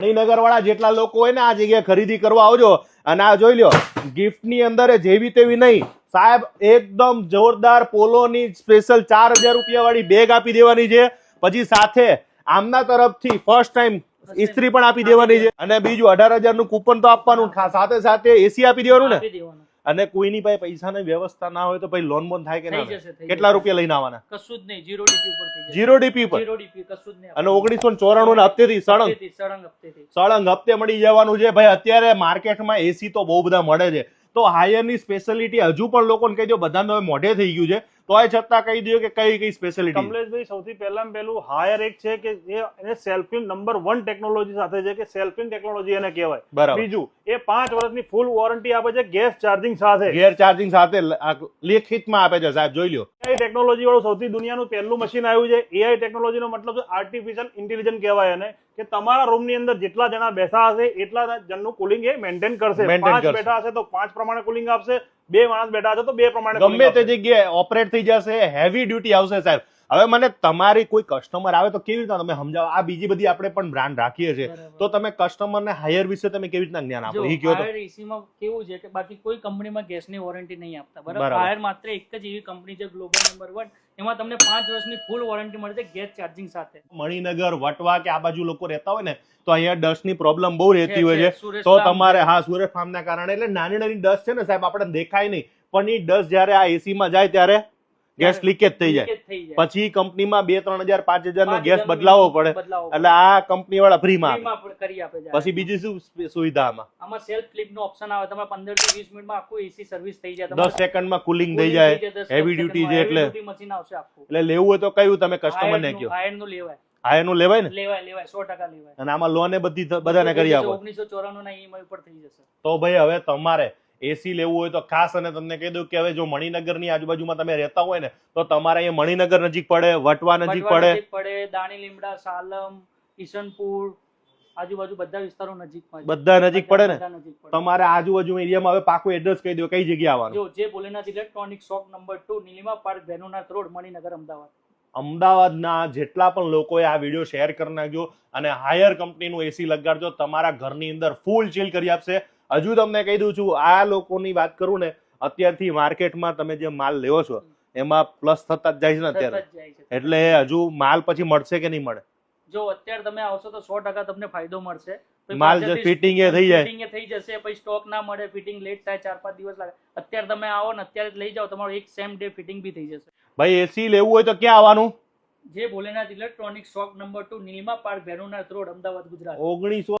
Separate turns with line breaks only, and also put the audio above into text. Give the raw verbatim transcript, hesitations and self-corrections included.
મણિનગર વાળા જેટલા લોકો હોય ને આ જગ્યાએ ખરીદી કરવા આવજો અને આ જોઈ લ્યો ગિફ્ટ ની અંદર જેવી તેવી નહીં સાહેબ, એકદમ જોરદાર પોલોની સ્પેશિયલ ચાર હજાર રૂપિયા વાળી બેગ આપી દેવાની છે. પછી સાથે આમના તરફથી ફર્સ્ટ ટાઈમ ઇસ્ત્રી પણ આપી દેવાની છે અને બીજું અઢાર હજાર નું કૂપન તો આપવાનું, સાથે સાથે એસી આપી દેવાનું ને. અને કોઈની પાસે પૈસાની વ્યવસ્થા ના હોય તો ભાઈ લોન બોન થાય કે ના? કેટલા રૂપિયા લઈને આવવાના?
કશું જ નહીં, જીરો ડીપી પર થઈ જશે.
જીરો ડીપી પર
જીરો ડીપી કશું જ નહીં.
અને ઓગણીસો ચોરાણું ના હપ્તે થી સળંગ
સળંગ હપ્તે
સળંગ હપ્તે મળી જવાનું છે ભાઈ. અત્યારે માર્કેટમાં એસી તો બહુ બધા મળે છે, તો હાયર ની સ્પેશિયાલિટી હજુ પણ લોકોને કહી દો, બધાને હવે મોઢે થઈ ગયું છે, તો એ છતાં કહી દો કે કઈ કઈ સ્પેશિયાલિટી?
કમલેશભાઈ, સૌથી પહેલામાં પહેલું હાયર એક છે કે એ એને સેલ્ફિંગ નંબર વન ટેકનોલોજી સાથે છે કે સેલ્ફિંગ ટેકનોલોજી એને કહેવાય.
બરાબર.
બીજું એ પાંચ વર્ષની ફૂલ વોરંટી આપે છે ગેસ ચાર્જિંગ સાથે.
ગેર ચાર્જિંગ સાથે લેખિતમાં આપે છે સાહેબ, જોઈ લો.
એઆઈ ટેકનોલોજી વાળું સૌથી દુનિયાનું પહેલું મશીન આવ્યું છે. એઆઈ ટેકનોલોજીનો મતલબ છે આર્ટિફિશિયલ ઇન્ટેલિજન્સ કહેવાય એને, કે તમારા રૂમની અંદર જેટલા જણા બેઠા હશે એટલા જણનું કુલિંગ એ મેન્ટેન કરશે. પાંચ બેઠા હશે તો પાંચ પ્રમાણે કુલિંગ આપશે, બે માણસ બેઠા હશે તો બે પ્રમાણે
ગમે તે જગ્યાએ ઓપરેટ થઈ જશે, હેવી ડ્યુટી આવશે સાહેબ. હવે મને તમારી કોઈ કસ્ટમર આવે તો કેવી રીતના તમે સમજાવો? આ બીજી બધી આપણે પણ બ્રાન્ડ રાખીએ છીએ, તો તમે કસ્ટમરને હાયર વિશે તમે કેવી રીતના જ્ઞાન આપો? એ કહો તો.
હાયર એસીમાં કેવું છે કે બાકી કોઈ કંપનીમાં ગેસની વોરંટી નહીં આપતા, બરાબર? હાયર માત્ર એક જ એવી કંપની છે ગ્લોબલ નંબર વન, એમાં તમને પાંચ વર્ષની ફૂલ વોરંટી મળે છે ગેસ ચાર્જિંગ સાથે.
મણિનગર, વટવા કે આ બાજુ લોકો રહેતા હોય ને તો અહીંયા ડસ્ટ ની પ્રોબ્લેમ બહુ રહેતી હોય છે, તો તમારે હા સુરત ફાર્મ ના કારણે એટલે નાની નાની ડસ્ટ છે ને સાહેબ આપણે દેખાય નહીં, પણ એ ડસ્ટ જયારે આ એસી માં જાય ત્યારે ગેસ લીકેજ થઈ જાય, પછી કંપનીમાં બે ત્રણ હજાર પાંચ હજાર નો ગેસ બદલાવવો પડે, એટલે આ કંપની વાળા ફ્રી માં કરી આપે. પછી બીજી શું સુવિધા આમાં?
આમાં સેલ્ફ ફ્લિપ નો ઓપ્શન આવે, તમે પંદર થી વીસ મિનિટમાં આખું એસી સર્વિસ થઈ જાય,
દસ સેકન્ડમાં કુલિંગ થઈ જાય, હેવી ડ્યુટી છે એટલે
મશીન આવશે આખું.
એટલે લેવું હોય તો કયું તમે કસ્ટમર ને કહો?
હાયર નું લેવાય.
હાયર નું લેવાય ને?
લેવાય લેવાય સો ટકા લેવાય.
અને આમાં લોન એ બધી બધાને કરી આપો.
ઓગણીસો ચોરાણું ના ઈએમઆઈ પર થઈ જશે.
તો ભાઈ હવે તમારે એસી લેવું હોય તો ખાસ, અને તમને કહી દઉં કે હવે જો મણિનગર ની આજુબાજુમાં તમે રહેતા હોય ને તો તમારે અહીંયા મણિનગર નજીક પડે, વટવા નજીક પડે,
પડે દાણી લીમડા, સાલમ, ઈશનપુર, આજુબાજુ બધા વિસ્તારો નજીકમાં,
બધા નજીક પડે ને. તમારે આજુબાજુ એરિયામાં હવે પાકું એડ્રેસ કહી દો, કઈ જગ્યા આવવાનું?
જો જે Bholenath electronic shop number two, Nilima park, Venunath road, Maninagar, Ahmedabad.
અમદાવાદના જેટલા પણ લોકોએ આ વિડીયો શેર કરી નાખજો અને હાયર કંપનીનું એસી લગાડજો, તમારા ઘરની અંદર ફૂલ ચીલ કરી આપશે. હજુ તમને કહી દઉં છું, આ લોકોની વાત કરું ને, અત્યારથી માર્કેટમાં તમે જે માલ લેવો છો એમાં પ્લસ થતા જ જાય છે ને અત્યારે, એટલે હજુ માલ પછી મળશે કે નહીં મળે?
જો અત્યારે તમે આવશો તો સો ટકા તમને ફાયદો મળશે.
માલ ફિટિંગ એ થઈ જાય,
ફિટિંગ એ થઈ જશે, પછી સ્ટોક ના મળે, ફિટિંગ લેટ થાય, ચાર પાંચ દિવસ લાગે. અત્યારે તમે આવો ને અત્યારે લઈ જાઓ, તમારું એક સેમ ડે ફિટિંગ બી થઈ જશે.
ભાઈ એસી લેવું હોય તો ક્યાં આવવાનું?
જે Bholenath electronic shop number two, Nilima park, Venunath road, Ahmedabad, Gujarat.
ઓગણીસો